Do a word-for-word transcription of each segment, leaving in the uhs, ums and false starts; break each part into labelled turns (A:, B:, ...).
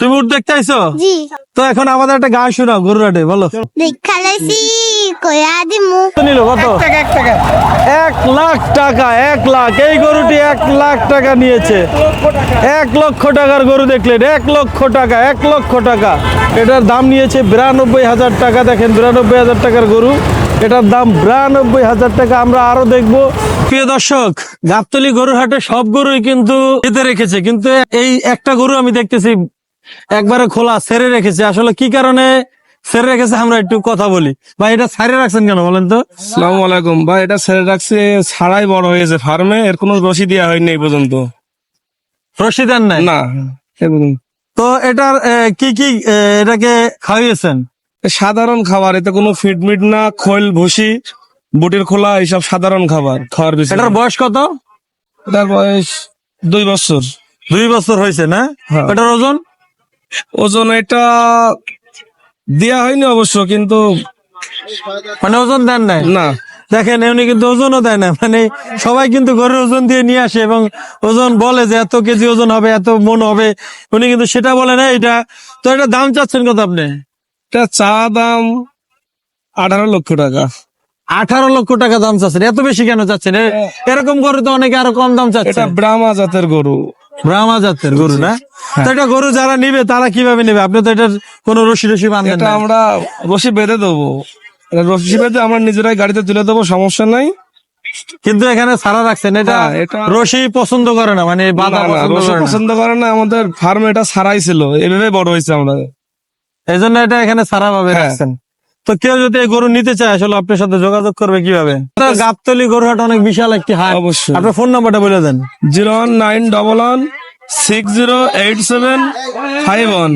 A: তুমি উঠ দেখতে আইছো?
B: জি।
A: তো এখন আমাদের একটা গান শোনাও গরুর হাটে, বলো।
B: দেখা লাইছি কয়া দিমু।
A: নিল কত? এক লাখ টাকা। এক লাখ এই গরুটি এক লাখ টাকা নিয়েছে। এক লক্ষ টাকার গরু দেখলেন, এক লক্ষ টাকা, এক লক্ষ টাকা। এটার দাম নিয়েছে বিরানব্বই হাজার টাকা। দেখেন বিরানব্বই হাজার টাকার গরু, এটার দাম বিরানব্বই হাজার টাকা। আমরা আরো দেখবো। প্রিয় দর্শক, গাবতলী গরুর হাটে সব গরুই কিন্তু বেঁধে রেখেছে, কিন্তু এই একটা গরু আমি দেখতেছি একবারে খোলা ছেড়ে রেখেছে। আসলে কি কারণে ছেড়ে রেখেছে আমরা একটু কথা বলি। ভাই এটা ছাড়ে রাখছেন কেন বলেন তো?
C: আসসালামু আলাইকুম ভাই, এটা ছেড়ে রাখছে ছাড়াই বড় হয়েছে ফার্মে, এর কোনো রসি দেওয়া হয়নি এই পর্যন্ত।
A: রশি দেন নাই?
C: না।
A: তো এটার এ, কি কি এ, এটাকে খাওয়িয়েছেন?
C: সাধারণ খাবার, এতে কোনো ফিড মিট না, খোল ভুসি বুটের খোলা, এইসব সাধারণ খাবার খাওয়ার বিষয়।
A: এটার বয়স কত?
C: এটার বয়স দুই বছর।
A: দুই বছর হয়েছে না?
C: হ্যাঁ।
A: এটার ওজন?
C: ওজন এটা দেয়া হয়নি অবশ্য, কিন্তু
A: মানে ওজন দেন নাই?
C: না।
A: দেখেন উনি কিন্তু ওজনও দেয় না। মানে সবাই কিন্তু ঘরের ওজন দিয়ে নিয়ে আসে এবং ওজন বলে যে এত কেজি ওজন হবে, এত মন হবে, উনি কিন্তু সেটা বলে না। এটা তো এটা দাম চাচ্ছেন কত আপনি?
C: এটা চা দাম আঠারো লক্ষ টাকা।
A: আঠারো লক্ষ টাকা দাম চাচ্ছেন? এত বেশি কেন চাচ্ছেন? এ- এরকম গরু তো অনেকে আরো কম দাম চাচ্ছে।
C: এটা ব্রাহ্মা জাতের গরু।
A: ব্রাহ্মা জাতের গরু না? তো এটা গরু যারা নিবে তারা কিভাবে নেবে? আপনি তো এটার কোন রশি রশি বাঁধেন
C: এটা
A: না।
C: আমরা রশি বেঁধে দেবো, এটা রশি বেঁধে আমরা নিজেরাই গাড়িতে তুলে দেবো, সমস্যা নাই।
A: কিন্তু এখানে সারা রাখছেন, এটা
C: হ্যাঁ, এটা-
A: রশি পছন্দ করে না, মানে বাধা
C: না, না,
A: পছন্দ
C: রসুন
A: করে না।
C: পছন্দ করে না। আমাদের ফার্মে এটা ছাড়াই ছিল, এভাবে বড় হয়েছে আমরা।
A: এই জন্য এটা এখানে সারা ভাবে
C: হ্যাঁ।
A: রাখছেন। তো কেউ যদি এই গরু নিতে চায় আসলে আপনার সাথে যোগাযোগ করবে কিভাবে? গাবতলী গরুহাট অনেক বিশাল একটি হাট।
C: অবশ্যই।
A: আপনার ফোন নাম্বারটা বলে দেন।
C: Zero one nine double one six zero eight seven five one.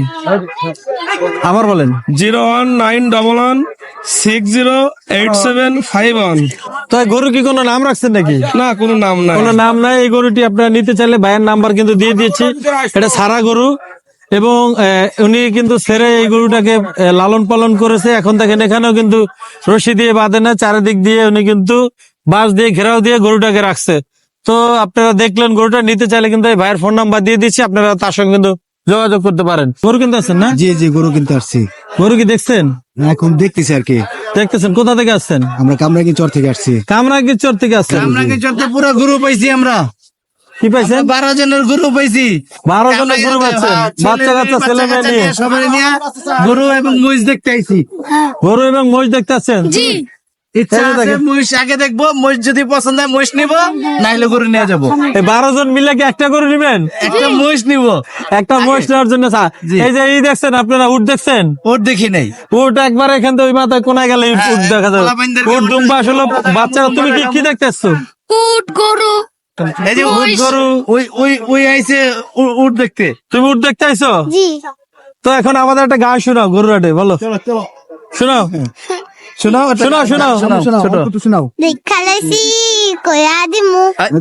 A: আবার বলেন।
C: Zero one nine double one six zero eight seven five one.
A: তো এই গরু কি কোনো নাম রাখছেন নাকি?
C: না, কোনো নাম নাই।
A: কোনো নাম নাই। এই গরুটি আপনারা নিতে চাইলে ভাইয়ের নাম্বার কিন্তু দিয়ে দিয়েছি। এটা সারা গরু এবং আহ, উনি কিন্তু ছেড়ে এই গরুটাকে আহ, লালন পালন করেছে। এখন দেখেন এখানেও কিন্তু রশি দিয়ে বাঁধে না, চারিদিক দিয়ে উনি কিন্তু বাঁশ দিয়ে ঘেরাও দিয়ে গরুটাকে রাখছে। তো আপনারা দেখলেন, গরুটা নিতে চাইলে কিন্তু এই ভাইয়ের ফোন নাম্বার দিয়ে দিচ্ছি, আপনারা তার সঙ্গে কিন্তু যোগাযোগ করতে পারেন। গরু কিনতে আসছেন না?
D: জি জি গরু কিনতে আসছি,
A: গরু কি দেখছেন?
D: এখন দেখতেছি আর কি।
A: দেখতেছেন? কোথা থেকে আসছেন?
D: আমরা কামরাঙ্গি চর থেকে আসছি।
A: কামরাঙ্গীর চর থেকে আসছেন?
D: কামরাঙ্গি চর থেকে পুরো গরু পাইছি আমরা,
A: কি পাইছেন?
D: বারো জনের গরু পাইছি।
A: বারো জনের গরু পাচ্ছেন? বাচ্চা কাচ্চা ছেলে মেয়ে নিয়ে
D: সবাই নিয়ে গরু এবং মহিষ দেখতে আইছি।
A: গরু এবং মহিষ দেখতে আসছেন?
B: জি।
D: ইচ্ছা
A: এই যে
D: আছে
A: দেখেন।
D: মহিষ আগে দেখবো, মহিষ যদি পছন্দ হয় মহিষ নিবো, নাইলে গরু নিয়ে যাবো।
A: এই বারো জন মিলে কি একটা গরু নিবেন?
D: একটা মহিষ নিবো।
A: একটা মহিষ নেওয়ার জন্য চা-
D: জি।
A: এই যে এই দেখছেন আপনারা, উট দেখছেন?
D: ওর দেখি নাই।
A: উট একবার এখান থেকে ওই মাথায় কোনায় গেলে উট দেখা যাবে।
D: পোলাপাইনদেরকে
A: উট
D: উট
A: দুম্বা আসলে
D: দেখাবো।
A: বাচ্চারা। তুমি কি কি দেখতে আসছো?
B: উট গরু।
D: এই যে উট
B: মহিষ।
D: গরু, ওই ওই ওই আইছে উ- উট দেখতে।
A: তুমি উট দেখতে আইছো?
B: জি।
A: তো এখন আমাদের একটা গান শোনাও গরুর হাটে, বলো।
D: চলো চলো
A: শোনাও
D: শোনাও
A: শোনাও শোনাও
D: শোনাও শোনাও একটু শোনাও।
B: দেখা লাইছি কয়া দিমু।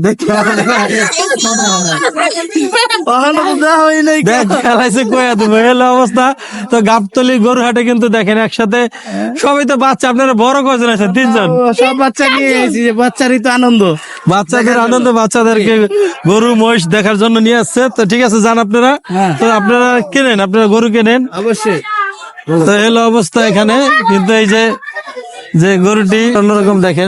D: ওখানে তো দেওয়া হয় নাই।
A: দেখ খেলাইছে কয়া তুমি, এলো অবস্থা। তো গাবতলী গরু হাটে কিন্তু দেখেন একসাথে সবাই তো বাচ্চা। আপনারা বড় কজন আছেন? তিনজন।
D: ও, সব বাচ্চা নিয়ে এসেছি, বাচ্চারই তো আনন্দ।
A: বাচ্চাদের আনন্দ, বাচ্চাদেরকে গরু মহিষ দেখার জন্য নিয়ে আসছে। তো ঠিক আছে, যান আপনারা।
D: হ্যাঁ।
A: তো আপনারা কেনেন, আপনারা গরু কেনেন।
D: অবশ্যই।
A: তো এলো অবস্থা এখানে কিন্তু এই যে যে গরুটি অন্যরকম দেখেন।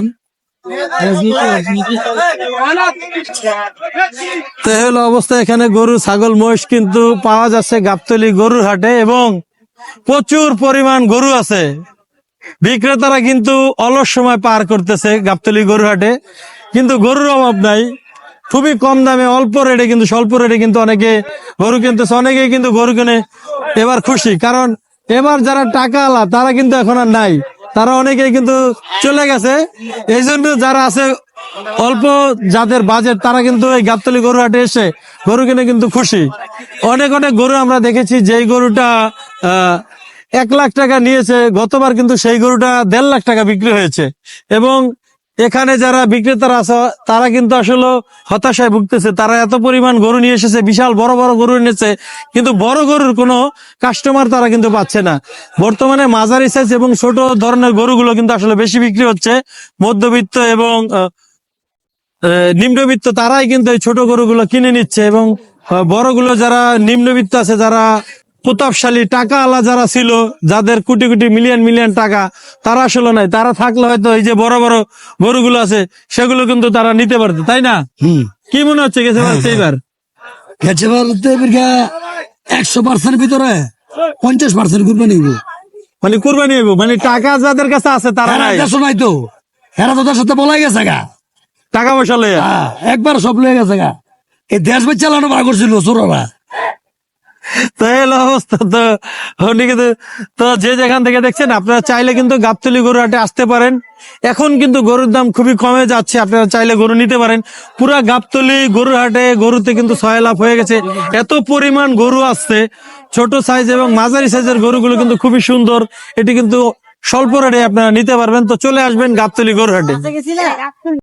A: তো হলো অবস্থা এখানে গরু ছাগল মহিষ কিন্তু পাওয়া যাচ্ছে গাবতলী গরুর হাটে এবং প্রচুর পরিমাণ গরু আছে। বিক্রেতারা কিন্তু অলস সময় পার করতেছে গাবতলী গরু হাটে, কিন্তু গরুর অভাব নাই। খুবই কম দামে অল্প রেটে কিন্তু স্বল্প রেটে কিন্তু অনেকে গরু কিনতেছে। অনেকেই কিন্তু গরু কিনে এবার খুশি, কারণ এবার যারা টাকা আলা তারা কিন্তু এখন আর নাই, তারা অনেকেই কিন্তু চলে গেছে। এই জন্য যারা আছে অল্প যাদের বাজেট তারা কিন্তু এই গাবতলী গরু হাটে এসে গরু কিনে কিন্তু খুশি। অনেক অনেক গরু আমরা দেখেছি, যেই গরুটা আহ এক লাখ টাকা নিয়েছে গতবার, কিন্তু সেই গরুটা দেড় লাখ টাকা বিক্রি হয়েছে। এবং এখানে যারা বিক্রেতারা আছে তারা কিন্তু আসলে হতাশায় ভুগতেছে। তারা এত পরিমাণ গরু নিয়ে এসেছে, বিশাল বড় বড় গরু এনেছে, কিন্তু বড় গরুর কোনো কাস্টমার তারা কিন্তু পাচ্ছে না। বর্তমানে মাঝারি সাইজ এবং ছোট ধরনের গরুগুলো কিন্তু আসলে বেশি বিক্রি হচ্ছে। মধ্যবিত্ত এবং আহ, আহ, নিম্নবিত্ত তারাই কিন্তু এই ছোট গরুগুলো কিনে নিচ্ছে এবং আহ, বড়গুলো যারা নিম্নবিত্ত আছে, যারা প্রতাপশালী টাকা আলা যারা ছিল, যাদের কোটি কোটি মিলিয়ন মিলিয়ন টাকা, তারা আসলে নাই। তারা থাকলে হয়তো এই যে বড় বড় গরুগুলো আছে সেগুলো কিন্তু তারা নিতে পারতো, তাই না?
E: হুম
A: কি মনে হচ্ছে গেছে পারছে এবার?
E: গেছে বলতে বিঘা একশো পার্সেন্ট ভিতরে পঞ্চাশ পার্সেন্ট করবে নিব।
A: মানে কুরবানি হইব, মানে টাকা যাদের কাছে আছে তারা
E: হেরা
A: নাই,
E: দেশও নাই তো, হেরা তো তার সাথে বলাই গেছে গা।
A: টাকা পয়সা লইয়া।
E: হ্যাঁ, একবার সব লয়ে গেছে গা। এই দেশ বেচ চালানো বার করছিল চোররা।
A: তো এই হলো অবস্থা। তো ওদিকে তো- তো যে যেখান থেকে দেখছেন আপনারা চাইলে কিন্তু গাবতলী গরু হাটে আসতে পারেন। এখন কিন্তু গরুর দাম খুবই কমে যাচ্ছে, আপনারা চাইলে গরু নিতে পারেন। পুরা গাবতলী গরুর হাটে গরুতে কিন্তু ছয় লাভ হয়ে গেছে, এত পরিমাণ গরু আসছে। ছোট সাইজ এবং মাঝারি সাইজের গরুগুলো কিন্তু খুবই সুন্দর। এটি কিন্তু স্বল্প রেটে আপনারা নিতে পারবেন। তো চলে আসবেন গাবতলী গরুর হাটে।